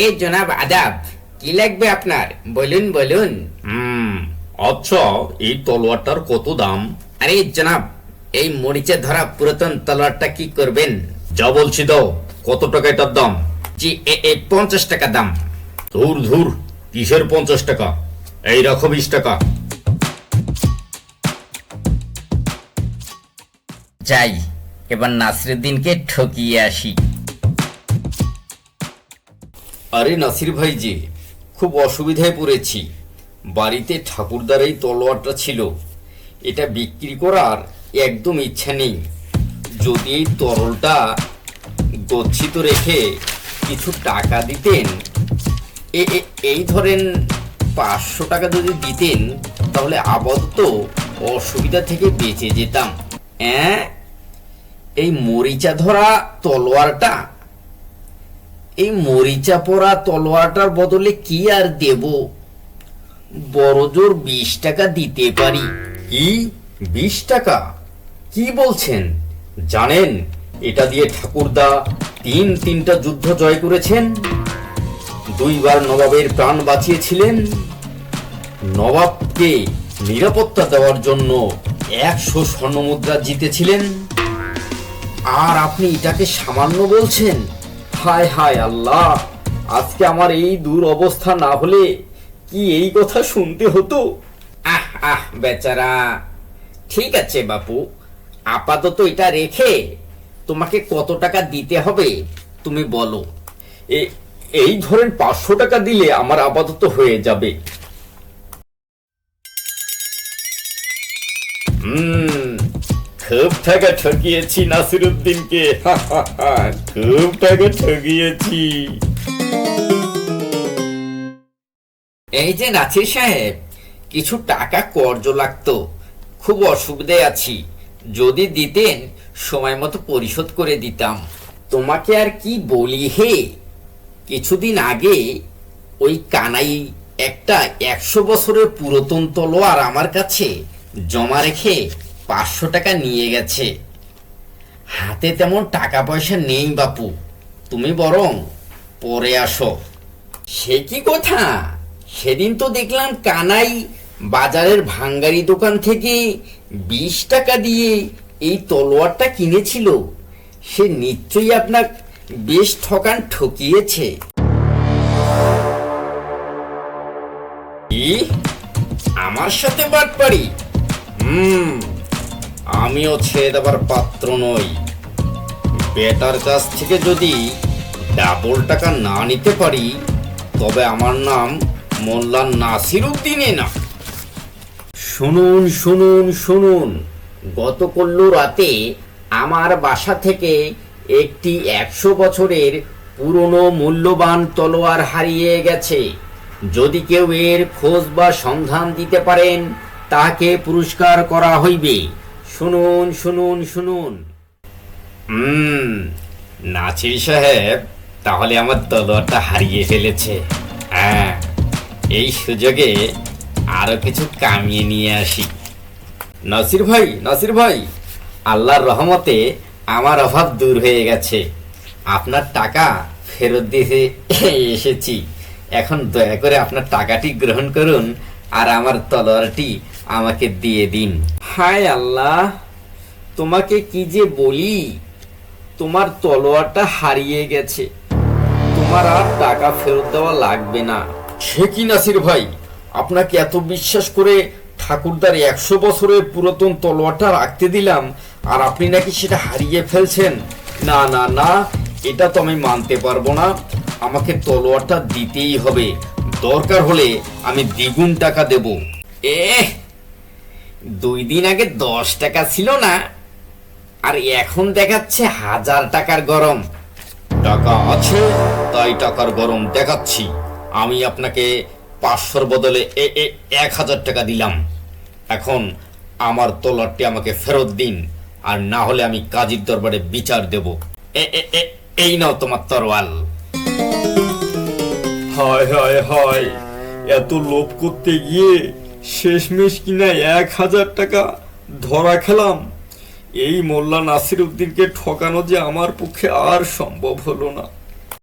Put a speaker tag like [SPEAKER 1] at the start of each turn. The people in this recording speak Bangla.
[SPEAKER 1] জনাব আদাব, কি লাগবে আপনার? বলুন বলুন।
[SPEAKER 2] আচ্ছা, এই তলোয়ারটার কত দাম?
[SPEAKER 1] আরে জনাব, এই মরিচে ধরা পুরাতন তলোয়ারটা কি করবেন?
[SPEAKER 2] যা বলছি দাও। কত টাকা এটার দাম?
[SPEAKER 1] জি, 50 টাকা দাম।
[SPEAKER 2] ধুর ধুর, কিসের 50 টাকা? এই রাখো 20 টাকা।
[SPEAKER 1] যাই, এবার নাসিরুদ্দিনকে ঠকিয়ে আসি।
[SPEAKER 2] আরে নাসির ভাই জি, খুব অসুবিধায় পড়েছি। বাড়িতে ঠাকুরদার এই তলোয়ারটা ছিল, এটা বিক্রি করার একদম ইচ্ছা নেই। যদি এই তরলটা গচ্ছিত রেখে কিছু টাকা দিতেন, এই ধরেন 500 টাকা যদি দিতেন, তাহলে আপাতত অসুবিধা থেকে বেঁচে যেতাম। এই মরিচা ধরা তলোয়ারটা, এই মরিচা পরা তলোয়ারটার বদলে কি আর দেব? বড় জোর 20 টাকা দিতে পারি। কি 20 টাকা? কি বলছেন? জানেন এটা দিয়ে ঠাকুরদা তিনটা যুদ্ধ জয় করেছেন, 2 বার নবাবের প্রাণ বাঁচিয়েছিলেন, নবাবকে নিরাপত্তা দেওয়ার জন্য 100 স্বর্ণমুদ্রা জিতেছিলেন, আর আপনি এটাকে সামান্য বলছেন? হায় হায় আল্লাহ, আজকে আমার এই দূর অবস্থা না হলে কি এই কথা শুনতে হতো?
[SPEAKER 1] আহ আহ বেচারা। ঠিক আছে বাপু, আপাতত এটা রেখে তোমাকে কত টাকা দিতে হবে তুমি বলো।
[SPEAKER 2] এই ধরেন 500 টাকা দিলে আমার আপাতত হয়ে যাবে। খুব টাকা ঠকিয়েছি নাসিরুদ্দিনকে, খুব টাকা ঠকিয়েছি।
[SPEAKER 1] এই যে নাছির সাহেব, কিছু টাকা কর্জ লাগতো, খুব অসুবিধায় আছি, যদি দিতেন সময় মতো পরিশোধ করে দিতাম। তোমাকে আর কি বলি হে, কিছুদিন আগে ওই কানাই একটা 100 বছরের পুরাতন তলোয়ার আমার কাছে জমা রেখে 500 টাকা নিয়ে গেছে। হাতে তেমন টাকা পয়সা নেই বাপু, তুমি বরং পরে আসো। সে কি কথা? সেদিন তো দেখলাম কানাই বাজারের ভাঙ্গারি দোকান থেকে 20 টাকা দিয়ে এই তলোয়ারটা কিনেছিল। সে নিশ্চয়ই আপনার বেশ ঠকিয়েছে।
[SPEAKER 2] কি? আমার সাথে বাটপারি? আমিও ছেড়ে দেবার পাত্র নই। বেটার কাছ থেকে যদি ডাবল টাকা না নিতে পারি, তবে আমার নাম মোল্লা নাসিরুদ্দিনে না।
[SPEAKER 1] শুনুন শুনুন শুনুন, গতকাল রাতে আমার বাসা থেকে একটি 100 বছরের পুরনো মূল্যবান তলোয়ার হারিয়ে গেছে। যদি কেউ এর খোঁজ বা সন্ধান দিতে পারেন, তাকে পুরস্কার করা হইবে। শুনুন শুনুন শুনুন।
[SPEAKER 2] নাছির সাহেব তাহলে আমার তলোয়ারটা হারিয়ে ফেলেছে। হ্যাঁ, এই সুযোগে আরো কিছু কামিয়ে নিয়ে আসি। নাসির ভাই, আল্লাহর রহমতে আমার অভাব দূর হয়ে গেছে। আপনার টাকা ফেরত দিতে এসেছি। এখন দয়া করে আপনার টাকাটি গ্রহণ করুন আর আমার তলোয়ারটি আমাকে দিয়ে দিন।
[SPEAKER 1] হায় আল্লাহ, তোমাকে কি যে বলি, তোমার তলোয়ারটা হারিয়ে গেছে, তোমার আর টাকা ফেরত দেওয়া লাগবে না।
[SPEAKER 2] সে কি নাসির ভাই, আপনাকে এত বিশ্বাস করে ঠাকুরদার 100 বছরের পুরাতন তলোয়ারটা রাখতে দিলাম, আর আপনি নাকি সেটা হারিয়ে ফেলছেন? না না না, এটা তো আমি মানতে পারবো না। আমাকে তলোয়ারটা দিতেই হবে, দরকার হলে আমি দ্বিগুণ টাকা দেব।
[SPEAKER 1] 2 দিন আগে 10 টাকা ছিল না, আর এখন দেখাচ্ছে 1000 টাকার গরম।
[SPEAKER 2] টাকা আছে তাই টাকার গরম দেখাচ্ছি। আমি আপনাকে 500-র বদলে 1000 টাকা দিলাম। এখন আমার তলোয়ারটি আমাকে ফেরত দিন, আর না হলে আমি কাজীর দরবারে বিচার দেব। এই নাও তোমার তরোয়াল।
[SPEAKER 3] হায় হায় হায়, এত লোভ করতে গিয়ে শেষমেশ কিনা 1000 টাকা ধরা খেলাম। এই মোল্লা নাসিরুদ্দিনকে ঠকানো যে আমার পক্ষে আর সম্ভব হলো না।